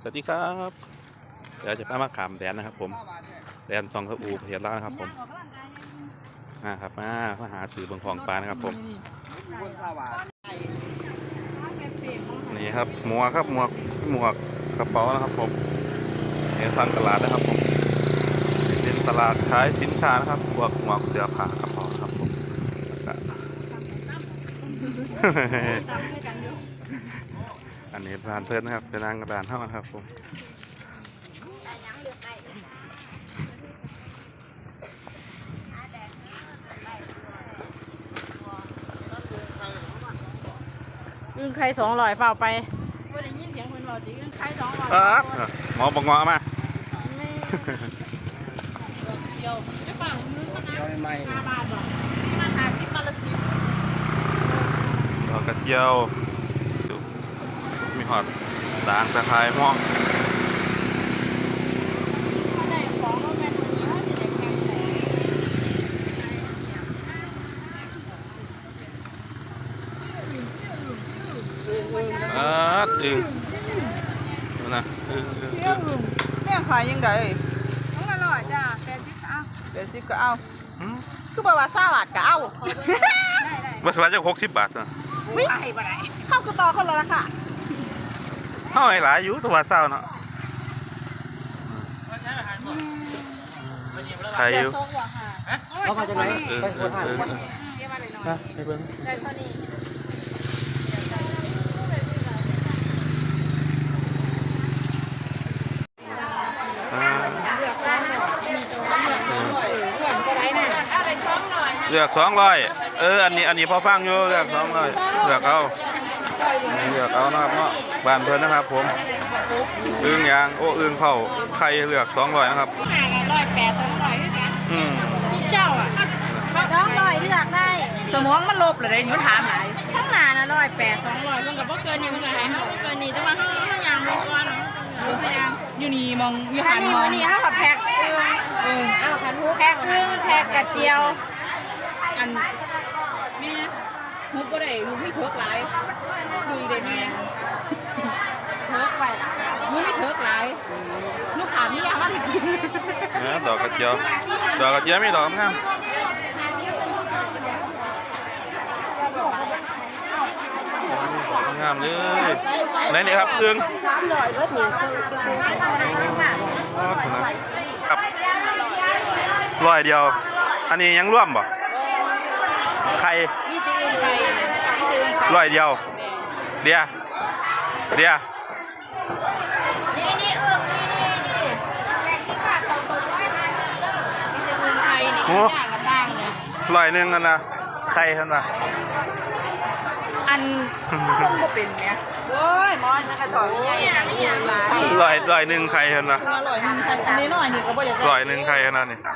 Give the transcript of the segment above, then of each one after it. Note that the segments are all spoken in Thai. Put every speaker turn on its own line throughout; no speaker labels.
สวัสดีครับเดี๋ยวจะพามาขามแดนนะครับผมแดนซองกระอูเพียรแล้วนะครับผมครับมาหาสื่อบนของปลานะครับผมนี่ครับหมวกครับหมวกกระเป๋านะครับผมเป็นทางตลาดนะครับผมเป็นตลาดขายสินค้านะครับพวกหมวกเสื้อผ้ากระเป๋าครับผมอันนี้ร้านเพื่อนนะครับเป็นร้านกระดานเท่านั้นครับผม
อึ้งไข่200เปล่าไปว่าได้ยินเสียงคนบอกสิอึ้งไข่200
หมอบอกงอมา
เดียวจะฝั่งนึงนะ5 บาทหรอที่มาหา10 บาทละ10
ดอกกระเจียวมีหอดด่างตะไคร้ม่วง
ได้ของก็แม่ตัวนี้เขาจะได้แข็งแรง
อึ่งนะ
แม่ขายยังไง
ต้องอร่อยจ้ะ80เอา
80ก็เอาคือบอกว่า20 บาทก็เอา
วัสดุจะ60 บาทนะ
ไม่ไปบ่ได้
เข้ากระต่อคนละราคา
เท่าไหร่หลายอยู่ตัวเศร้าเนาะใครอยู่
เรามาจากไหนไปคนหา
ไปเบิ้งได้เท่านี้
เลือก200อันนี้พอฟังอยู่เลือก200เลือกเอานะครับเนาะบ้านเพิ่นนะครับผมอึ่งยางอึ่งเผาไข่เลือก200นะครับ
180 200คือกันเจ้าอ่ะ200เลือกได้
สมองมันลบเลยมันถามหลาย
ข้างหน้านะ180 200เพิ่นก็บ่เกินนี่เพิ่นก็ให้เฮาบ่เกินนี่แต่ว่าเฮายางบ่ก่อนพยายาม
อยู่นี่มองอยู่หันมอง
นี่เฮาก็แพ็คเอาคันฮูแพ็คกระเจียว
อันแม่ฮุบบ่ได้ฮุบไม่เถิกหลายดูได้แม่
เถิกไปล่ะ
ฮุบไม่เถิกหลายลูกค้ามีอย่างว่าสิ
ดอกกระเจียวมีดอกงามงามเลยไหนนี่ครับอึ่ง
300ก็ถือ
ครับ100 เดียวอันนี้ยังร่วมบ่ไข่100 เดียวเดีย
นี่
โอ้100 นึงกันนะไข่ท่านน่ะ
อันคงบ่เป็นเนี่ย
โอ้ยมอนมันกระต่อยใหญ่
100 นึงไข่ท่านน่ะ
อันนี้น้อยนี่ก็บ่อยาก
100 นึงไข่ท่านน่ะนี่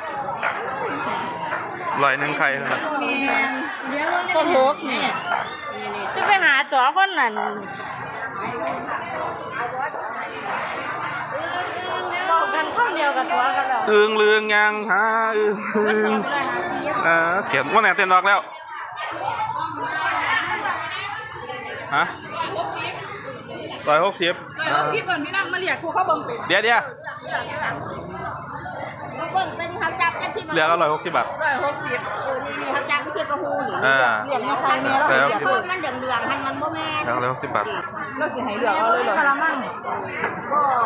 100 นึงไข่ท่านน่ะ
ต้นเถิกนี่
จะไปหาตัวคนนั้นบอกกันข้าวเดียวกับตัวกันแล้ว
อึ่งเลืองยังหาอึ่งเขียนว่าไหนเต้นดอกแล้วฮะ160
ก่อนพี่นั่งมาเรียกครูเข้าบังเป็น
เดี๋ยว
เบิ่งเป็นเขาจับกันที่
เหลือก็160 บาท
นี่เขาจับกันที่กระหูหรือ
เรียกในใครแม่แล้ว
เรียกมันเหลืองๆให้มันบ่แม่
แล้ว160 บาท
แล้วสิให้เหลือเอาเลยเหรอกะละมัง
ก็